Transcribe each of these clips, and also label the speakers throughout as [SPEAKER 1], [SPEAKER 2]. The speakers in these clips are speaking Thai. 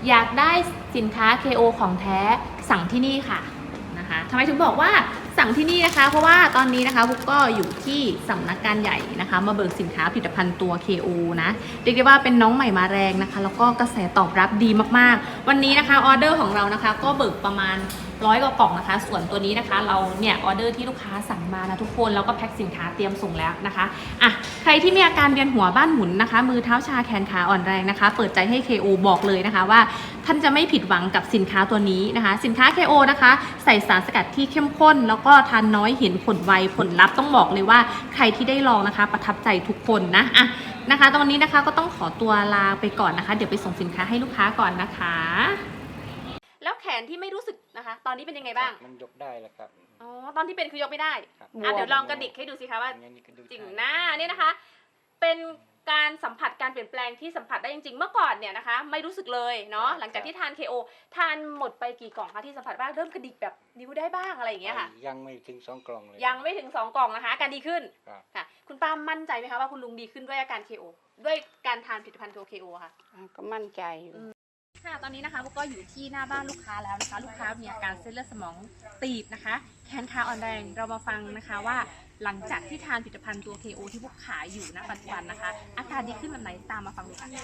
[SPEAKER 1] อยากได้สินค้า KO ของแท้สั่งที่นี่ค่ะนะคะทำไมถึงบอกว่าสั่งที่นี่นะคะเพราะว่าตอนนี้นะคะบุ๊กก็อยู่ที่สำนักงานใหญ่นะคะมาเบิกสินค้าผลิตภัณฑ์ตัว KO นะเรียกได้ว่าเป็นน้องใหม่มาแรงนะคะแล้วก็กระแสตอบรับดีมากๆวันนี้นะคะออเดอร์ของเรานะคะก็เบิกประมาณ100 กว่ากล่องนะคะส่วนตัวนี้นะคะเราเนี่ยออเดอร์ที่ลูกค้าสั่งมานะทุกคนแล้วก็แพ็คสินค้าเตรียมส่งแล้วนะคะอ่ะใครที่มีอาการเวียนหัวบ้านหมุนนะคะมือเท้าชาแขนขาอ่อนแรงนะคะเปิดใจให้ KO บอกเลยนะคะว่าท่านจะไม่ผิดหวังกับสินค้าตัวนี้นะคะสินค้า KO นะคะใส่สารสกัดที่เข้มข้นแล้วก็ทานน้อยเห็นผลไวผลลัพธ์ต้องบอกเลยว่าใครที่ได้ลองนะคะประทับใจทุกคนนะอ่ะนะคะตอนนี้นะคะก็ต้องขอตัวลาไปก่อนนะคะเดี๋ยวไปส่งสินค้าให้ลูกค้าก่อนนะคะแล้วแขนที่ไม่รู้สึกนะคะตอนนี้เป็นยังไงบ้าง
[SPEAKER 2] มันยกได้แล้วครับ
[SPEAKER 1] อ๋อตอนที่เป็นคือยกไม่ได้เดี๋ยวลองกระดิกให้ดูสิคะว่าจริงหน้าเนี่ยนะคะเป็นการสัมผัสการเปลี่ยนแปลงที่สัมผัสได้จริงๆเมื่อก่อนเนี่ยนะคะไม่รู้สึกเลยเนาะหลังจากที่ทาน KO ทานหมดไปกี่กล่องคะที่สัมผัสบ้างเริ่มกระดิกแบบนิ้วได้บ้างอะไรอย่างเงี้ยค่ะ
[SPEAKER 2] ยังไม่ถึง2 กล่องเลย
[SPEAKER 1] ยังไม่ถึง2 กล่องนะคะอาการดีขึ้นค่ะคุณป้ามั่นใจไหมคะว่าคุณลุงดีขึ้นด้วยอาการ KO ด้วยการทานผลิตภัณฑ์ตัว KO ค่ะ
[SPEAKER 3] ก็มั่นใจอยู่
[SPEAKER 1] ค่ะตอนนี้นะคะพวกก็อยู่ที่หน้าบ้านลูกค้าแล้วนะคะลูกค้ามีอาการเส้นเลือดสมองตีบนะคะแขนขาอ่อนแรงเรามาฟังนะคะว่าหลังจากที่ทานผลิตภัณฑ์ตัว KO ที่พวกขายอยู่ณปัจจุบันนะคะอาการดีขึ้นแบบไหนตามมาฟังดูค่ะ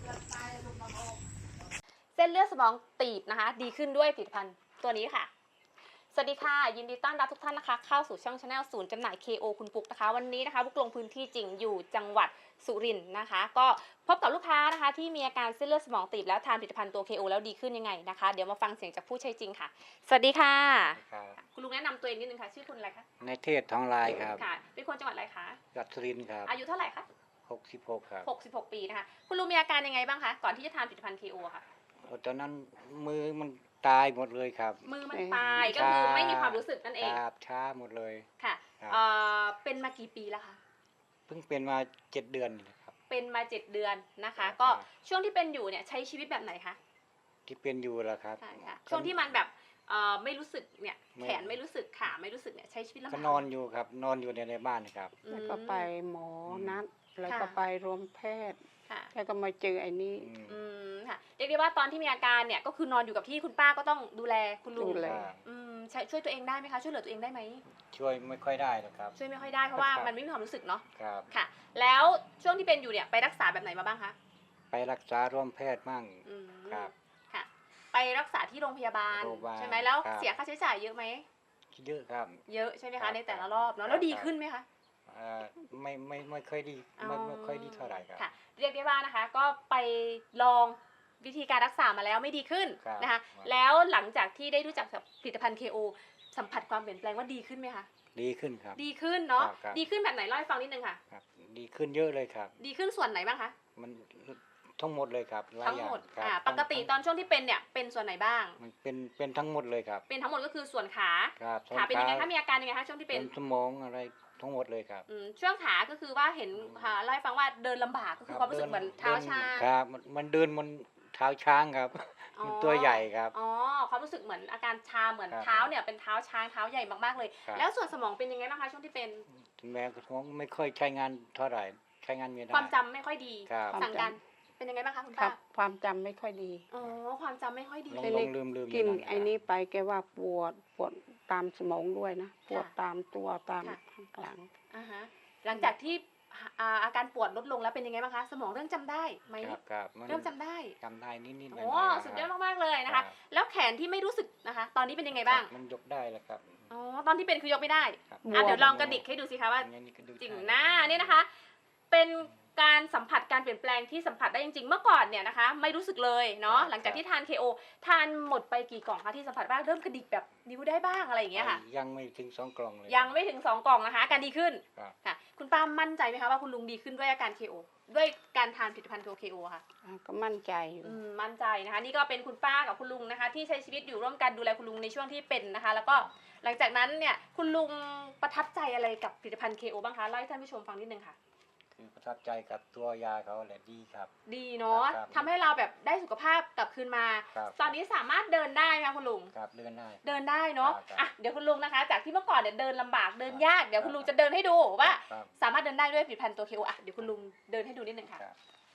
[SPEAKER 1] เส้นเลือดสมองตีบนะคะดีขึ้นด้วยผลิตภัณฑ์ตัวนี้ค่ะสวัสดีค่ะยินดีต้อนรับทุกท่านนะคะเข้าสู่ช่อง Channel ศูนย์จำหน่าย KO คุณปุ๊กนะคะวันนี้นะคะปุ๊กลงพื้นที่จริงอยู่จังหวัดสุรินทร์นะคะก็พบกับลูกค้านะคะที่มีอาการเส้นเลือดสมองตีบแล้วทานผลิตภัณฑ์ตัว KO แล้วดีขึ้นยังไงนะคะเดี๋ยวมาฟังเสียงจากผู้ใช้จริงค่ะสวัสดีค่ะคุณลุงแนะนำตัวเองนิดนึงค่ะชื่อคุณอะไรคะ
[SPEAKER 2] ในเทศทองลายครับ
[SPEAKER 1] ค่ะเป็นคนจังหวัดอะไรคะ
[SPEAKER 2] จังหวัดสุรินทร์ครับ
[SPEAKER 1] อายุเท่าไหร่คะ
[SPEAKER 2] 66ครับ
[SPEAKER 1] 66 ปีนะคะคุณลุงมีอาการยังไงบ้างคะก่อนที่จะทานผลิตภัณฑ์ KO ค่ะ
[SPEAKER 2] ตอนนั้นมือมันตายหมดเลยครับ
[SPEAKER 1] มือมันตายก็คือไม่มีความรู้สึกนั่นเอง
[SPEAKER 2] ครับช้าหมดเลย
[SPEAKER 1] ค่ะเป็นมากี่ปีแล้วคะ
[SPEAKER 2] เพิ่งเป็นมา7 เดือนนี่ครับ
[SPEAKER 1] เป็นมา7 เดือนนะคะก็ช่วงที่เป็นอยู่เนี่ยใช้ชีวิตแบบไหนคะ
[SPEAKER 2] ที่เป็นอยู่แล้วครับ
[SPEAKER 1] ใช่ค่ะช่วงที่มันแบบไม่รู้สึกเนี่ยแขนไม่รู้สึกขาไม่รู้สึกเนี่ยใช้ชีวิตลำบาก
[SPEAKER 2] ก็นอนอยู่ครับนอนอยู่ในบ้านครับ
[SPEAKER 3] แล้วก็ไปหมอนัดแล้วก็ไปรวมแพทย์แล้วก็มาเจอไอ้นี้
[SPEAKER 1] ค่ะเรียกได้ว่าตอนที่มีอาการเนี่ยก็คือนอนอยู่กับที่คุณป้าก็ต้องดูแลคุณลุงช่วยตัวเองได้ไหมคะช่วยเหลือตัวเองได้ไหม
[SPEAKER 2] ช่วยไม่ค่อยได้นะครับ
[SPEAKER 1] ช่วยไม่ค่อยได้เพราะว่ามันไม่มีความรู้สึกเนาะ
[SPEAKER 2] ครับ
[SPEAKER 1] ค่ะแล้วช่วงที่เป็นอยู่เนี่ยไปรักษาแบบไหนมาบ้างคะ
[SPEAKER 2] ไปรักษาร่วมแพทย์มั่งครับ
[SPEAKER 1] ค่ะไปรักษาที่โรงพยาบาลใช่ไหมแล้วเสียค่าใช้จ่ายเยอะไหม
[SPEAKER 2] เยอะครับ
[SPEAKER 1] เยอะใช่ไหมคะในแต่ละรอบเนาะแล้วดีขึ้นไหมคะ
[SPEAKER 2] ไม่ค่อยดีไม่ค่อยดีเท่าไหร่ครับ
[SPEAKER 1] ค่ะเรียกได้ว่านะคะก็ไปลองวิธีการรักษามาแล้วไม่ดีขึ้นนะคะแล้วหลังจากที่ได้รู้จักกับผลิตภัณฑ์ KO สัมผัสความเปลี่ยนแปลงว่าดีขึ้นไหมคะ
[SPEAKER 2] ดีขึ้นครับ
[SPEAKER 1] ดีขึ้นเนาะดีขึ้นแบบไหนเล่าให้ฟังนิดนึงค่ะ
[SPEAKER 2] ครับดีขึ้นเยอะเลยครับ
[SPEAKER 1] ดีขึ้นส่วนไหนบ้างคะ
[SPEAKER 2] มันทั้งหมดเลยครับ
[SPEAKER 1] ทั้งหมดปกติตอนช่วงที่เป็นเนี่ยเป็นส่วนไหนบ้าง
[SPEAKER 2] มันเป็นทั้งหมดเลยครับ
[SPEAKER 1] เป็นทั้งหมดก็คือส่วนขา
[SPEAKER 2] ขา
[SPEAKER 1] เป็นยังไงคะมีอาการยังไงคะช่วงที่เป็น
[SPEAKER 2] สมองอะไรทั้งหมดเลยครับ
[SPEAKER 1] ช่วงขาก็คือว่าเห็นเล่าให้ฟังว่าเดินลำบากก็คือความรู้สึกเหมือนเท้าชา
[SPEAKER 2] ครับมันเดินมันเท้าช้างครับมันตัวใหญ่ครับ
[SPEAKER 1] อ๋อความรู้สึกเหมือนอาการชาเหมือนเท้าเนี่ยเป็นเท้าช้างเท้าใหญ่มากๆเลยแล้วส่วนสมองเป็นยังไงบ้างคะช่วงที่เป็น
[SPEAKER 2] แม่กระท้องไม่ค่อยใช้งานเท่าไหร่ใช้งานไม่ได้
[SPEAKER 1] ความจำไม่ค่อยดีสั่งการเป็นยังไงบ้างคะคุณป้า
[SPEAKER 3] ความจำไม่ค่อยดี
[SPEAKER 1] อ๋อความจำไม่ค่อยดี
[SPEAKER 2] ลืม
[SPEAKER 3] กินไอ้นี้ไปแกว่าปวดตามสมองด้วยนะปวดตามตัวตามหลัง
[SPEAKER 1] หลังจากที่อาการปวดลดลงแล้วเป็นยังไงบ้างคะสมองเริ่มจำได้ไหมเริ่มจำได้
[SPEAKER 2] นิดๆ
[SPEAKER 1] โอ้สุดยอดมากๆเลยนะคะแล้วแขนที่ไม่รู้สึกนะคะตอนนี้เป็นยังไงบ้าง
[SPEAKER 2] มันยกได้แล้วครับ
[SPEAKER 1] อ๋อตอนที่เป็นคือยกไม่ได้เดี๋ยวลองกระดิกให้ดูสิคะว่าจริงหน้าเนี่ยนะคะเป็นการสัมผัสการเปลี่ยนแปลงที่สัมผัสได้จริงๆเมื่อก่อนเนี่ยนะคะไม่รู้สึกเลยเนาะหลังจากที่ทาน KO ทานหมดไปกี่กล่องคะที่สัมผัสบ้างเริ่มกระดิกแบบนิ้วได้บ้างอะไรอย่างเงี้ยค่ะ
[SPEAKER 2] ยังไม่ถึง2 กล่องเลย
[SPEAKER 1] ยังไม่ถึง2 กล่องนะคะอาการดีขึ้นค่ะคุณป้ามั่นใจไหมคะว่าคุณลุงดีขึ้นด้วยอาการ KO ด้วยการทานผลิตภัณฑ์ตัว KO ค่ะ
[SPEAKER 3] ก็มั่นใจอยู่
[SPEAKER 1] มั่นใจนะคะนี่ก็เป็นคุณป้ากับคุณลุงนะคะที่ใช้ชีวิตอยู่ร่วมกันดูแลคุณลุงในช่วงที่เป็นนะคะแล้วก็หลังจากนั้นเนี่ยคุณลุงประทับใจอะไรกับผลิตภัณฑ์ KO บ้างคะเล่าให้ท่านผู้ชมฟังนิดนึงค่ะ
[SPEAKER 2] ประทับใจกับตัวยาเขาแหละดีครับ
[SPEAKER 1] ดีเนาะทำให้เราแบบได้สุขภาพกลับคืนมาตอนนี้สามารถเดินได้ไหมคะคุณลุง
[SPEAKER 2] ครับเดิน
[SPEAKER 1] ได้เนาะเดี๋ยวคุณลุงนะคะจากที่เมื่อก่อนเนี่ยเดินลำบากเดินยากเดี๋ยวคุณลุงจะเดินให้ดูว่าสามารถเดินได้ด้วยผลิตภัณฑ์ตัว KO เดี๋ยวคุณลุงเดินให้ดูนิดนึงค่ะ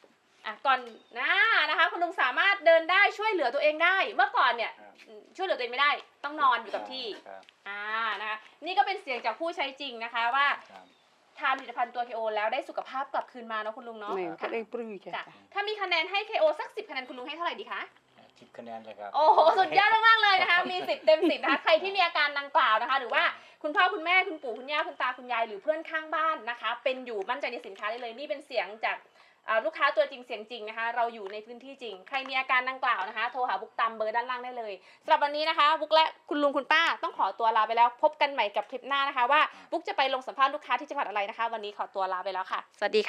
[SPEAKER 1] ก่อนนะคะคุณลุงสามารถเดินได้ช่วยเหลือตัวเองได้เมื่อก่อนเนี่ย
[SPEAKER 2] ครับ
[SPEAKER 1] ช่วยเหลือตัวเองไม่ได้ต้องนอนอยู่กับที่
[SPEAKER 2] ครับ
[SPEAKER 1] นะคะนี่ก็เป็นเสียงจากผู้ใช้จริงนะคะว่า
[SPEAKER 2] ครับ
[SPEAKER 1] ทานผลิตภัณฑ์ตัว KO แล้วได้สุขภาพกลับคืนมาเนาะคุณลุงเนาะ
[SPEAKER 3] นี่ก็ได้ปลื้มใจ
[SPEAKER 1] จ้ะถ้ามีคะแนนให้ KO สัก10คะแนนคุณลุงให้เท่าไหร่ดีคะ
[SPEAKER 2] 10 คะแนนเลยครับ
[SPEAKER 1] โอ้โหสุดยอดมากๆเลยนะคะมี10เต็ม10นะคะใครที่มีอาการดังกล่าวนะคะหรือว่าคุณพ่อคุณแม่คุณปู่คุณย่าคุณตาคุณยายหรือเพื่อนข้างบ้านนะคะเป็นอยู่มั่นใจในสินค้าได้เลยนี่เป็นเสียงจากลูกค้าตัวจริงเสียงจริงนะคะเราอยู่ในพื้นที่จริงใครมีอาการดังกล่าวนะคะโทรหาบุ๊กตามเบอร์ด้านล่างได้เลยสำหรับวันนี้นะคะบุ๊กและคุณลุงคุณป้าต้องขอตัวลาไปแล้วพบกันใหม่กับคลิปหน้านะคะว่าบุ๊กจะไปลงสัมภาษณ์ลูกค้าที่จังหวัดอะไรนะคะวันนี้ขอตัวลาไปแล้วค่ะสวัสดีค่ะ